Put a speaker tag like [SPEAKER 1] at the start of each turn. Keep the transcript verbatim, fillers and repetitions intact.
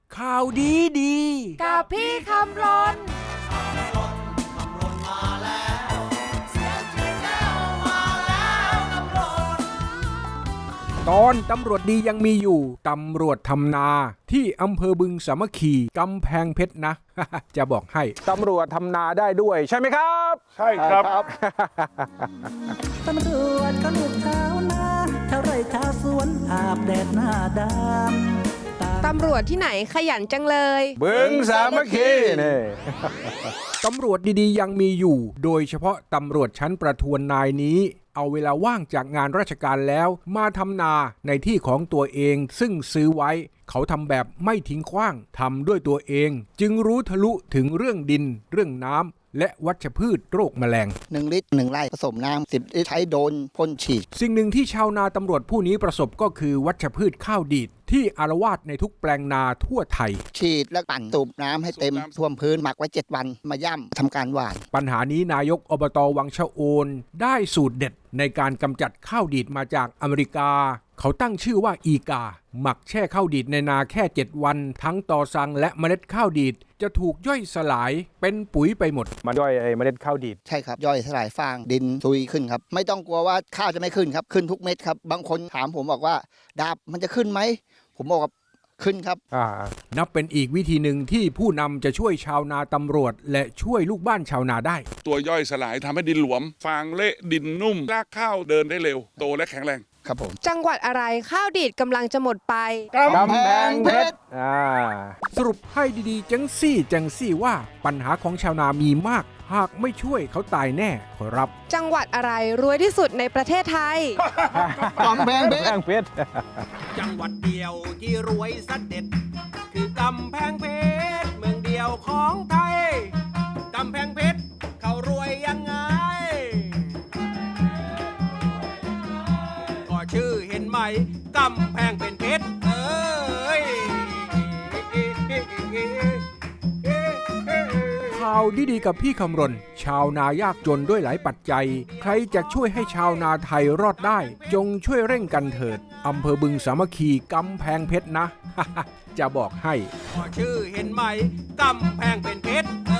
[SPEAKER 1] ข่าวดีดี
[SPEAKER 2] กับพี่คำรน
[SPEAKER 1] ตอนตำรวจดียังมีอยู่ตำรวจทำนาที่อำเภอบึงสามัคคีกำแพงเพชรนะ จะบอกให้ตำรวจทำนาได้ด้วยใช่ไหมครับ
[SPEAKER 3] ใช่ครับ
[SPEAKER 4] ตำรวจเขาลูกชาวนาชาวไร่ชาวสวนอาบแดดหน้าดำ
[SPEAKER 2] ตำรวจที่ไหนขยันจังเลย
[SPEAKER 1] บึงสามัคคีนี่ตำรวจดีๆยังมีอยู่โดยเฉพาะตำรวจชั้นประทวนนายนี้เอาเวลาว่างจากงานราชการแล้วมาทำนาในที่ของตัวเองซึ่งซื้อไว้เขาทำแบบไม่ทิ้งขว้างทำด้วยตัวเองจึงรู้ทะลุถึงเรื่องดินเรื่องน้ำและวัชพืชโรคแมลง
[SPEAKER 5] หนึ่งลิตรหนึ่งไร่ผสมน้ำสิบลิตรใช้โดนพ่นฉีด
[SPEAKER 1] สิ่งหนึ่งที่ชาวนาตำรวจผู้นี้ประสบก็คือวัชพืชข้าวดีดที่อาละวาดในทุกแปลงนาทั่วไทย
[SPEAKER 5] ฉีดและปั่นสูบน้ำให้เต็มท่วมพื้นหมักไว้เจ็ดวันมาย่ำทำการหว่าน
[SPEAKER 1] ปัญหานี้นายกอบต.วังชะโอนได้สูตรเด็ดในการกำจัดข้าวดีดมาจากอเมริกาเขาตั้งชื่อว่าอีกาหมักแช่ข้าวดีดในนาแค่เจ็ดวันทั้งตอสังและเมล็ดข้าวดีดจะถูกย่อยสลายเป็นปุ๋ยไปหมดมันย่อยไอ้เมล็ดข้าวดีด
[SPEAKER 5] ใช่ครับย่อยสลายฟางดินซุยขึ้นครับไม่ต้องกลัวว่าข้าวจะไม่ขึ้นครับขึ้นทุกเม็ดครับบางคนถามผมบอกว่าดาบมันจะขึ้นไหมผมบอกว่าขึ้นครับ
[SPEAKER 1] อ่านับเป็นอีกวิธีหนึ่งที่ผู้นำจะช่วยชาวนาตำรวจและช่วยลูกบ้านชาวนาได้
[SPEAKER 3] ตัวย่อยสลายทำให้ดินหลวมฟางเละดินนุ่มรากข้าวเดินได้เร็วโตและแข็งแรง
[SPEAKER 5] ครับผม
[SPEAKER 2] จังหวัดอะไรข้าวดีดกำลังจะหมดไป
[SPEAKER 5] กำแพงเพชร
[SPEAKER 1] อ่าสรุปให้ดีๆจังซี่จังซี่ว่าปัญหาของชาวนามีมากหากไม่ช่วยเขาตายแน่ขอรับ
[SPEAKER 2] จังหวัดอะไรรวยที่สุดในประเทศไทย
[SPEAKER 5] กำแพงเพชร
[SPEAKER 6] จังหวัดเดียวที่รวยสัดเด็ดคือกำแพงเพชรเมืองเดียวของไทยกำแพงเพชรเขารวยยังไงก็ชื่อเห็นไหมกำแพงเป็นเพชรเอ้ย
[SPEAKER 1] ข่าวดีๆกับพี่คำรณชาวนายากจนด้วยหลายปัจจัยใครจะช่วยให้ชาวนาไทยรอดได้จงช่วยเร่งกันเถิดอำเภอบึงสามัคคีกำแพงเพชรนะ จะบอกให้
[SPEAKER 6] ชื่อเห็นไหมกำแพงเป็นเพชร